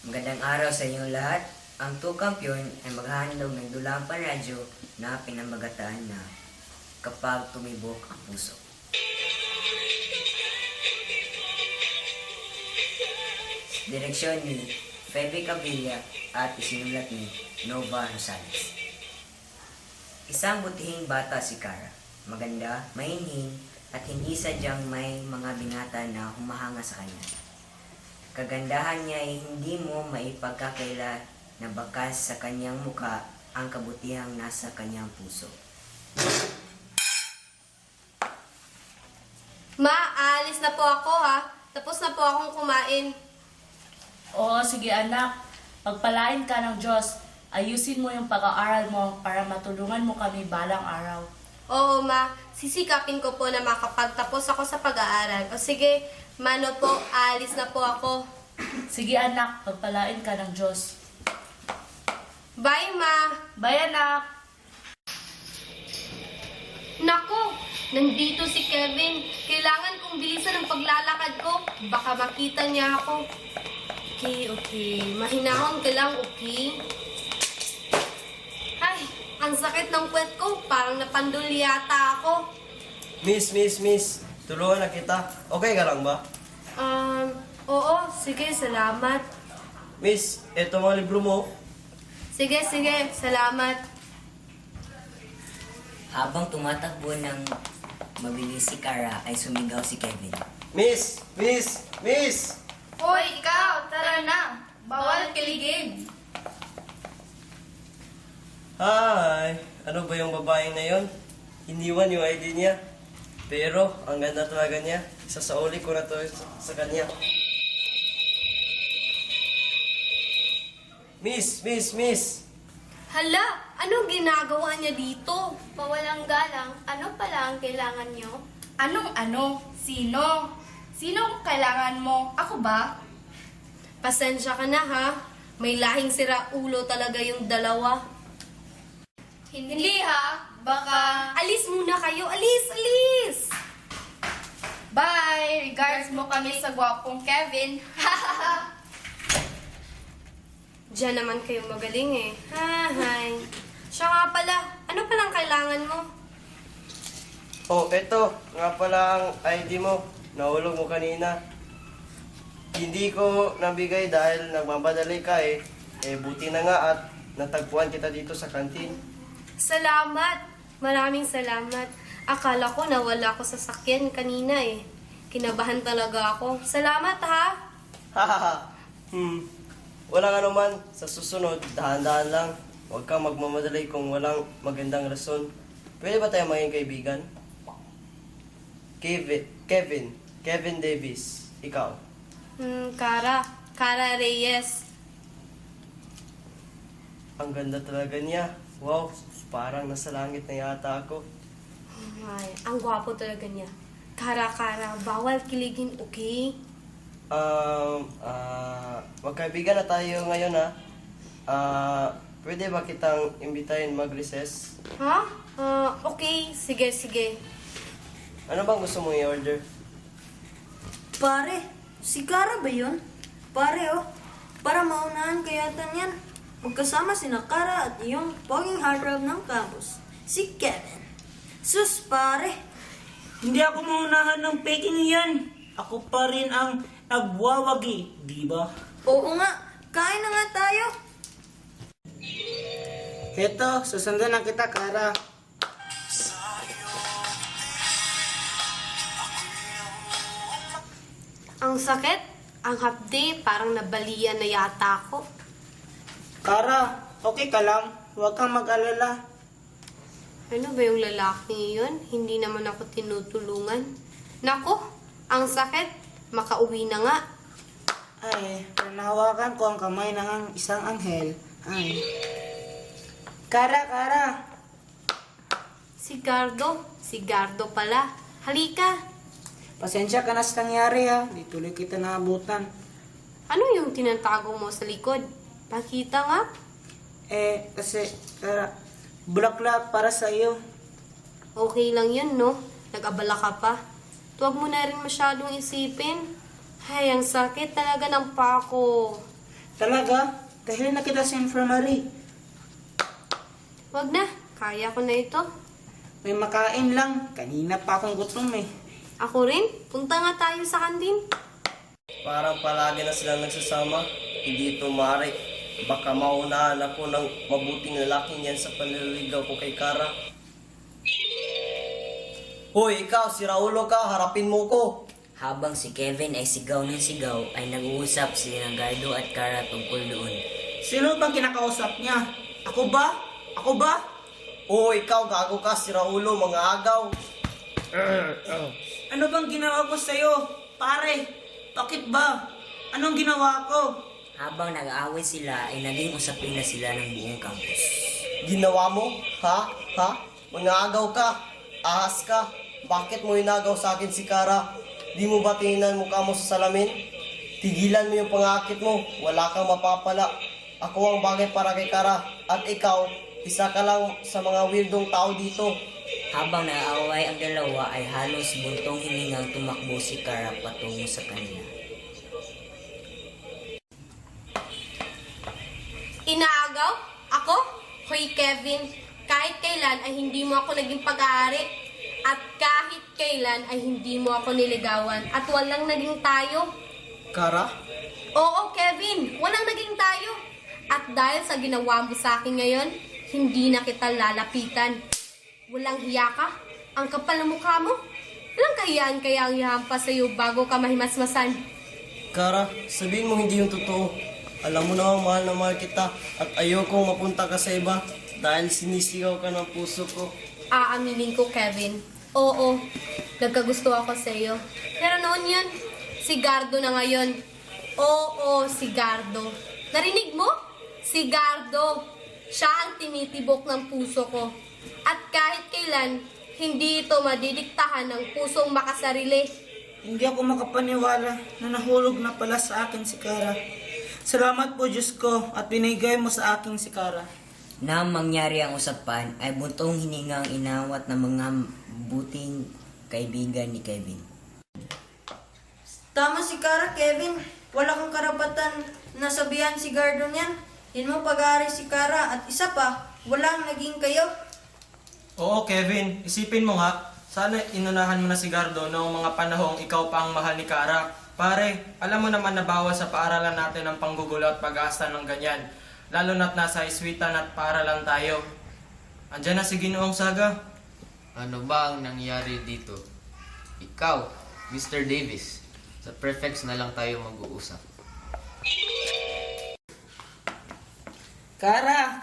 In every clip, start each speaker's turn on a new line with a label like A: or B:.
A: Magandang araw sa inyong lahat. Ang Tukampiyon ay maghahandog ng dulang panradyo na pinamagataan na Kapag Tumibok ang Puso. Direksyon ni Febe Cavilla at isinulat ni Nova Rosales. Isang butihing bata si Cara. Maganda, mahinhin, at hindi sadyang may mga binata na humahanga sa kanya. Kagandahan niya ay hindi mo maipagkakaila na bakas sa kanyang muka ang kabutihang nasa kanyang puso.
B: Ma, aalis na po ako ha. Tapos na po akong kumain.
C: Oo, sige anak. Pagpalain ka ng Diyos. Ayusin mo yung pag-aaral mo para matulungan mo kami balang araw.
B: Oo ma, sisikapin ko po na makapagtapos ako sa pag-aaral. O sige, mano po, aalis na po ako.
C: Sige anak, pagpalain ka ng Diyos.
B: Bye ma!
C: Bye anak!
B: Nako, nandito si Kevin. Kailangan kong bilisan ang paglalakad ko. Baka makita niya ako. Okay. Mahinahon ka lang, okay? Ay, ang sakit ng puwet ko. Parang napandul yata ako.
D: Miss, tulungan na kita. Okay ka lang ba?
B: Oo, sige, salamat.
D: Miss, eto mga libro mo.
B: Sige, salamat.
A: Habang tumatakbo ng mabilis si Cara ay sumigaw si Kevin.
D: Miss!
B: Hoy, ikaw, tara na. Bawal kiligin.
D: Hi! Ano ba yung babaeng na yon? Iniwan yung ID niya. Pero, ang ganda talaga niya. Isasauli ko na to sa kanya. Miss!
B: Hala, anong ginagawa niya dito?
E: Mawalang galang, ano pala ang kailangan nyo?
C: Anong ano? Sino? Sinong kailangan mo? Ako ba?
B: Pasensya ka na ha. May lahing sira ulo talaga yung dalawa.
E: Hindi ha, baka...
B: Alis muna kayo, alis!
E: Bye! Regards mo kami sa gwapong Kevin.
B: Diyan naman kayo magaling eh. Hi. Siya nga pala, ano palang kailangan mo?
D: Oh, eto. Nga pala ang ID mo. Nahulog mo kanina. Hindi ko nabigay dahil nagmamadali ka eh. Buti na nga at natagpuan kita dito sa kantin.
B: Salamat! Maraming salamat. Akala ko nawala ko sa sakyan kanina eh. Kinabahan talaga ako. Salamat ha!
D: Hahaha. Wala nga naman. Sa susunod, dahan-dahan lang. Huwag kang magmamadali kung walang magandang rason. Pwede ba tayo maging kaibigan? Kevin Davis. Ikaw.
B: Cara Reyes.
D: Ang ganda talaga niya. Wow, parang nasa langit na yata ako.
B: Ay, ang gwapo talaga niya. Cara, bawal kiligin, okay?
D: Magkaibigan na tayo ngayon ha. Pwede ba kitang imbitahin mag-recess?
B: Ha? Okay. Sige.
D: Ano bang gusto mong i-order?
F: Pare, si Cara ba yun? Pare oh, para maunahan kayatan yan. Magkasama si Cara at yung poging heartthrob ng campus, si Kevin. Sus pare,
G: Hindi ako maunahan ng peking yan. Ako pa rin ang nagwawagi, di ba?
F: oo nga, kain na nga tayo.
G: Heto, susundan na kita, Cara.
B: Ang sakit, ang hapde, parang nabalian na yata ako.
G: Cara, okay ka lang? Huwag kang mag-alala.
B: Ano ba yung lalaki yun? Hindi naman ako tinutulungan. Nako, ang sakit, makauwi na nga.
G: Ay, panahawakan ko ang kamay ng isang anghel. Ay. Cara.
B: Si Gardo pala. Halika.
G: Pasensya ka na sa nangyari ha. Di tuloy kita naabutan.
B: Ano yung tinatago mo sa likod? Pakita nga.
G: Kasi, Cara, bulaklak para sa iyo.
B: Okay lang yun, no? Nag-abala ka pa. Huwag mo na rin masyadong isipin. Ay, ang sakit talaga ng pako.
G: Talaga? Dahil na kita sa infirmary.
B: Wag na, kaya ko na ito.
G: May makain lang. Kanina pa akong gutom eh.
B: Ako rin, punta nga tayo sa kantin.
D: Parang palagi na silang nagsasama. Hindi ito maaari. Baka maunahan ako ng mabuting lalaking yan sa panliligaw ko kay Kara. Hoy, ikaw, si Raulo ka, harapin mo ko.
A: Habang si Kevin ay sigaw ng sigaw, ay nag-uusap si Gardo at Kara tungkol doon.
G: Sino bang kinakausap niya? Ako ba? Ako ba?
D: Oo, ikaw, gago ka, si Raulo, mga agaw.
G: Ano bang ginawa ko sa'yo? Pare, bakit ba? Anong ginawa ko?
A: Habang nag-aaway sila, ay naging usapin na sila ng buong campus.
D: Ginawa mo? Ha? Ha? Mga agaw ka? Ahas ka? Bakit mo inagaw sa akin si Kara? Di mo ba tingnan mukha mo sa salamin? Tigilan mo yung pangakit mo. Wala kang mapapala. Ako ang bagay para kay Kara. At ikaw, isa ka lang sa mga weirdong tao dito.
A: Habang naaaway ang dalawa, ay halos buntong hiningang tumakbo si Kara patungo sa kanila.
B: Inaagaw? Ako? Hoy Kevin, kahit kailan ay hindi mo ako naging pag-aari. At kahit kailan ay hindi mo ako niligawan. At walang naging tayo.
D: Kara?
B: Oo, Kevin, walang naging tayo. At dahil sa ginawa mo sa akin ngayon, hindi na kita lalapitan. Walang hiya ka? Ang kapal ng mukha mo? Walang kahiyaan kaya ang ihampas sa'yo bago ka mahimasmasan.
D: Kara, sabihin mo hindi yung totoo. Alam mo na mahal na mahal kita at ayokong mapunta ka sa iba dahil sinisigaw ka ng puso ko.
B: Aaminin ko, Kevin. Oo, nagkagusto ako sa iyo. Pero noon yun, si Gardo na ngayon. Oo, si Gardo. Narinig mo? Si Gardo. Siya ang tinitibok ng puso ko. At kahit kailan, hindi ito madidiktahan ng pusong makasarili.
G: Hindi ako makapaniwala na nahulog na pala sa akin si Kara. Salamat po Diyos ko at binigay mo sa akin si Kara.
A: Nang mangyari ang usapan, ay buntong hiningang inawat ng mga buting kaibigan ni Kevin.
F: Tama si Kara, Kevin. Wala kang karapatan na sabihan si Gardo niyan. Hindi mo pag-aari si Kara at isa pa, walang naging kayo.
H: Oo, Kevin. Isipin mo nga, sana inunahan mo na si Gardo noong mga panahong ikaw pa ang mahal ni Kara. Pare, alam mo naman na bawal sa paaralan natin ang panggugulo at pag-aasta ng ganyan. Lalo na't nasa iswitan at paaralan tayo. Andiyan na si Ginoong Saga.
I: Ano ba ang nangyari dito? Ikaw, Mr. Davis, sa prefects na lang tayo mag-uusap.
G: Kara!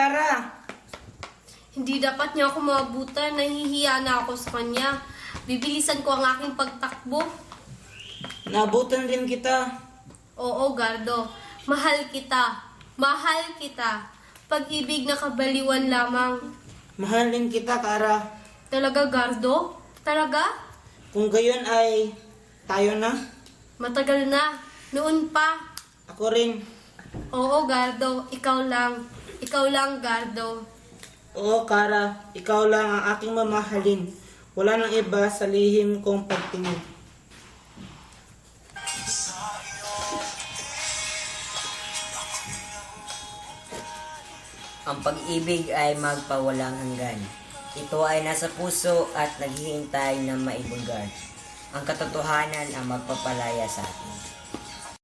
B: Hindi dapat niya ako maabutan. Nahihiya na ako sa kanya. Bibilisan ko ang aking pagtakbo.
G: Nabutan din kita.
B: Oo, Gardo. Mahal kita. Mahal kita. Pag-ibig na kabaliwan lamang.
G: Mahal din kita, Kara.
B: Talaga, Gardo? Talaga?
G: Kung gayon ay tayo na.
B: Matagal na. Noon pa.
G: Ako rin.
B: Oo, Gardo. Ikaw lang. Ikaw lang, Gardo.
G: Oo, Kara. Ikaw lang ang aking mamahalin. Wala nang iba sa lihim kong pagtingin.
A: Ang pag-ibig ay magpawalang hanggan. Ito ay nasa puso at naghihintay na maibunggan. Ang katotohanan ang magpapalaya sa atin.